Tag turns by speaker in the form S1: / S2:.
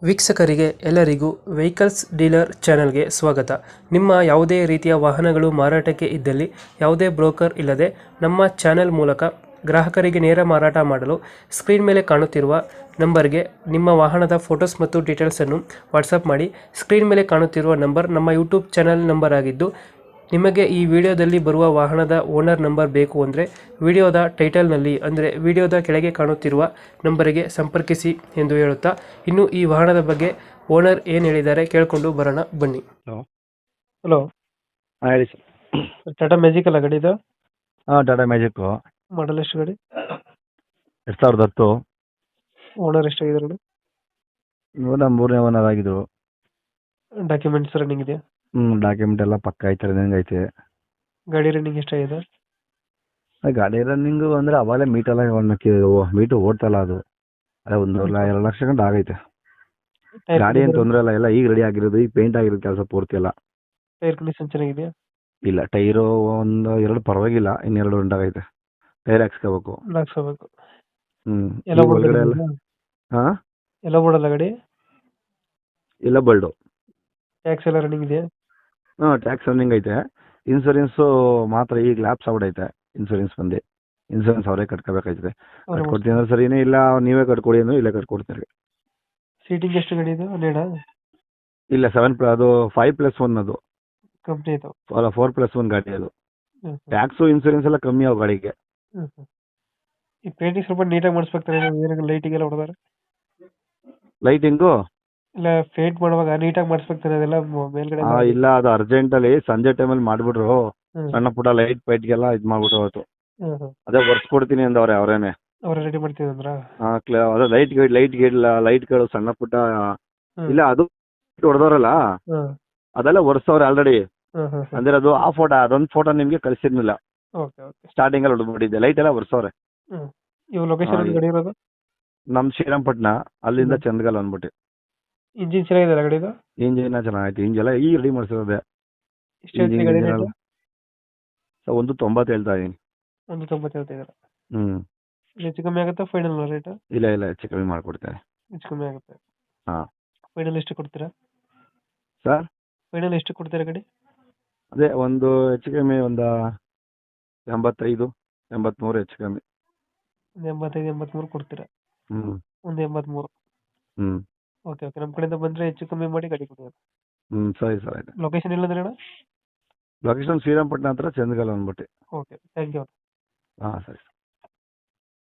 S1: ವೀಕ್ಷಕರಿಗೆ ಎಲ್ಲರಿಗೂ vehicles dealer ಚಾನೆಲ್ಗೆ ಸ್ವಾಗತ. ನಿಮ್ಮ ಯಾವುದೇ ರೀತಿಯ ವಾಹನಗಳು ಮಾರಾಟಕ್ಕೆ ಇದ್ದಲ್ಲಿ ಯಾವುದೇ ಬ್ರೋಕರ್ ಇಲ್ಲದೆ ನಮ್ಮ ಚಾನೆಲ್ ಮೂಲಕ ಗ್ರಾಹಕರಿಗೆ ನೇರ ಮಾರಾಟ ಮಾಡಲು ಸ್ಕ್ರೀನ್ ಮೇಲೆ ಕಾಣುತ್ತಿರುವ ನಂಬರ್ಗೆ ನಿಮ್ಮ ವಾಹನದ ಫೋಟೋಸ್ ಮತ್ತು ಡೀಟೇಲ್ಸನ್ನು ವಾಟ್ಸಪ್ ಮಾಡಿ. ಸ್ಕ್ರೀನ್ ಮೇಲೆ ಕಾಣುತ್ತಿರುವ ನಂಬರ್ ನಮ್ಮ ಯೂಟ್ಯೂಬ್ ಚಾನೆಲ್ ನಂಬರ್ ಆಗಿದ್ದು, ನಿಮಗೆ ಈ ವಿಡಿಯೋದಲ್ಲಿ ಬರುವ ವಾಹನದ ಓನರ್ ನಂಬರ್ ಬೇಕು ಅಂದರೆ ವಿಡಿಯೋದ ಟೈಟಲ್ನಲ್ಲಿ ಅಂದರೆ ವಿಡಿಯೋದ ಕೆಳಗೆ ಕಾಣುತ್ತಿರುವ ನಂಬರಿಗೆ ಸಂಪರ್ಕಿಸಿ ಎಂದು ಹೇಳುತ್ತಾ, ಇನ್ನು ಈ ವಾಹನದ ಬಗ್ಗೆ ಓನರ್ ಏನು ಹೇಳಿದ್ದಾರೆ ಕೇಳಿಕೊಂಡು ಬರೋಣ ಬನ್ನಿ.
S2: ಹಲೋ.
S1: ಹಲೋ,
S2: ಹಾಂ ಹೇಳಿ ಸರ್.
S1: ಟಾಟಾ ಮ್ಯಾಜಿಕ್ ಅಲ್ಲ ಗಾಡಿ ಇದು?
S2: ಹಾಂ, ಟಾಟಾ ಮ್ಯಾಜಿಕ್ಕು
S1: ಮಾಡಲ್ ಎಷ್ಟು ಗಾಡಿ?
S2: 2010.
S1: ಓನರ್ ಎಷ್ಟಾಗಿದ್ದಾರೆ ಗಾಡಿ?
S2: ಇವಾಗ ಮೂರನೇ ಓನರ್ ಆಗಿದ್ರು.
S1: ಡಾಕ್ಯುಮೆಂಟ್ಸ್ ರನ್ನಿಂಗ್ ಇದೆಯಾ?
S2: ಡಾಕ್ಯುಮೆಂಟ್ ಎಲ್ಲ ಪಕ್ಕ ಐತೆ, ರನ್ನಿಂಗ್ ಐತೆ.
S1: ಗಾಡಿ ರನ್ನಿಂಗ್ ಎಷ್ಟಾಗಿದೆ?
S2: ಗಾಡಿ ರನ್ನಿಂಗು ಅಂದರೆ ಅವಾಗಲೇ ಮೀಟು ಓಡ್ತಲ್ಲ ಅದು. ಅದೇ 2 ಲಕ್ಷ ಗಂಟೆ ಆಗೈತೆ. ಗಾಡಿ ಏನು ತೊಂದರೆ ಇಲ್ಲ ಈಗ ರೆಡಿ ಆಗಿರೋದು, ಈಗ ಪೇಂಟ್ ಆಗಿರೋದು ಕೆಲಸ ಪೂರ್ತಿ ಎಲ್ಲ.
S1: ಟೈರ್ ಕಂಡೀಷನ್ ಚೆನ್ನಾಗಿದೆಯಾ?
S2: ಇಲ್ಲ, ಟೈರು 2 ಪರವಾಗಿಲ್ಲ, ಇನ್ನೆರಡು ಉಂಟಾಗೈತೆ. ಟೈರ್ ಹಾಕ್ಸ್ಕೋಬೇಕು.
S1: ಹಾಕ್ಸ್ಕೋಬೇಕು.
S2: ಎಲ್ಲ ಒಳಗಡೆ ಎಲ್ಲ. ಹಾಂ,
S1: ಎಲ್ಲ ಓಡಲ್ಲ ಗಾಡಿ?
S2: ಇಲ್ಲ ಬಲ್ಡು.
S1: ಟ್ಯಾಕ್ಸ್ ಎಲ್ಲ ರನ್ನಿಂಗ್ ಇದೆಯಾ?
S2: ಹಾಂ, ಟ್ಯಾಕ್ಸ್ ರನ್ನಿಂಗ್ ಐತೆ. ಇನ್ಸೂರೆನ್ಸು ಮಾತ್ರ ಈಗ ಲ್ಯಾಪ್ಸ್ ಆಗ್ಬಿಟ್ಟೈತೆ. ಇನ್ಸೂರೆನ್ಸ್ ಅವರೇ ಕಟ್ಕೋಬೇಕಾಯ್ತದೆ. ಕಟ್ಕೊಡ್ತೀನಿ ಅಂದ್ರೆ ಸರಿನೇ, ಇಲ್ಲ ನೀವೇ ಕಟ್ಕೊಡಿ ಅಂದ್ರೆ ಇಲ್ಲೇ ಕಟ್ಕೊಡ್ತೀರಿ.
S1: ಸೀಟಿಂಗ್ ಎಷ್ಟು ಗಾಡಿ ಇದು? 12?
S2: ಇಲ್ಲ, 7 ಅದು 5+1 ಅದು.
S1: ಕಂಪ್ನಿ ಇದು?
S2: ಅಲ್ಲ, 4+1 ಗಾಡಿ ಅದು. ಟ್ಯಾಕ್ಸು ಇನ್ಸೂರೆನ್ಸ್ ಎಲ್ಲ ಕಮ್ಮಿ ಅವು ಗಾಡಿಗೆ.
S1: ಈ ಪೇಂಟಿಂಗ್ ಸ್ವಲ್ಪ ನೀಟಾಗಿ ಮಾಡಿಸ್ಬೇಕಾರೆ, ಲೈಟಿಗೆಲ್ಲ ಹೊಡೆದಾರೆ?
S2: ಲೈಟಿಂಗು
S1: ಇಲ್ಲ, ಪೇಂಟ್ ಮಾಡುವಾಗ ನೀಟಾಗಿ ಮಾಡಿಸ್ಬೇಕಾರೆ ಅದೆಲ್ಲ ಮೇಲ್ಗಡೆ?
S2: ಇಲ್ಲ, ಅದು ಅರ್ಜೆಂಟಲ್ಲಿ ಸಂಜೆ ಟೈಮಲ್ಲಿ ಮಾಡ್ಬಿಟ್ರು. ಸಣ್ಣ ಪುಟ್ಟ ಲೈಟ್ಗೆಲ್ಲ ಇದು ಮಾಡ್ಬಿಟ್ರು ಅವತ್ತು. ಅದೇ ಕೊಡ್ತೀನಿ ಅಂದವ್ರೆ ಅವರೇನೆ.
S1: ಅವ್ರ ರೆಡಿ ಮಾಡ್ತೀವಂದ್ರ?
S2: ಅದೇ ಲೈಟ್ಗಳು ಸಣ್ಣ ಪುಟ್ಟ. ಇಲ್ಲ, ಅದು ಹೊಡೆದವ್ರಲ್ಲ ಅದೆಲ್ಲ ಒರೆಸವ್ರೆ ಆಲ್ರೆಡಿ. ಅಂದ್ರೆ ಅದು ಆ ಫೋಟೋ, ಅದೊಂದು ಫೋಟೋ ನಿಮ್ಗೆ ಕಳಿಸಿರ್ಲಿಲ್ಲ. ಸ್ಟಾರ್ಟಿಂಗ್ ಅಲ್ಲಿ ಹೊಡೆದ್ಬಿಟ್ಟಿದ್ದೆ. ಲೈಟ್ ಎಲ್ಲ ಒರೆಸವ್ರೆ.
S1: ಇವಾಗ ಲೊಕೇಶನ್ ಗಾಡಿ ಇರೋದು
S2: ನಮ್ ಶ್ರೀರಂಗಪಟ್ಟಣ, ಅಲ್ಲಿಂದ ಚಂದಗಲ್ ಅಂದ್ಬಿಟ್ಟು.
S1: ಇಂಜಿನ್ ಚೆನ್ನಾಗಿದೆ ಗಾಡಿದು?
S2: ಇಂಜಿನ್ ಚೆನ್ನಾಗೈತೆ. ಇಂಜಿನ್ ಈಗ ರೆಡಿ ಮಾಡಿಸಿರೋದೆ. 1.90 ಹೇಳ್ತಾ ಇದೀನಿ.
S1: 1.90 ಹೇಳ್ತಾ ಇದ್ದಾರೆ. ಹೆಚ್ಚು ಕಮ್ಮಿ ಆಗುತ್ತಾ ಫೈನಲ್ ರೇಟ್?
S2: ಇಲ್ಲ, ಹೆಚ್ಚು ಕಮ್ಮಿ ಮಾಡ್ಕೊಡ್ತೇನೆ.
S1: ಹೆಚ್ಚು ಕಮ್ಮಿ ಆಗುತ್ತೆ.
S2: ಹಾ,
S1: ಫೈನಲ್ ಎಷ್ಟು ಕೊಡ್ತೀರಾ
S2: ಸರ್?
S1: ಫೈನಲ್ ಎಷ್ಟು ಕೊಡ್ತೀರಾ ಗಾಡಿ?
S2: ಅದೇ ಒಂದು ಹೆಚ್ಚು ಕಮ್ಮಿ ಒಂದು 85-83 ಹೆಚ್ಚು ಕಮ್ಮಿ.
S1: 85-83 ಕೊಡ್ತೀರಾ? ಒಂದು 83. ಓಕೆ, ನಮ್ಮ ಕಡೆಯಿಂದ ಬಂದ್ರೆ ಹೆಚ್ಚು ಕಮ್ಮಿ ಮಾಡಿ ಗಾಡಿ ಕೊಡಿ.
S2: ಸರಿ ಸರ್, ಆಯ್ತು.
S1: ಲೊಕೇಶನ್ ಇಲ್ಲಂದ್ರೆ ಅಣ್ಣ?
S2: ಲೊಕೇಶನ್ ಶ್ರೀರಂಗಪಟ್ಟಣ ಹತ್ರ ಚಂದಗಲ್ ಅಂದ್ಬಿಟ್ಟು.
S1: Okay, thank you.
S2: ಹಾಂ, ಸರಿ.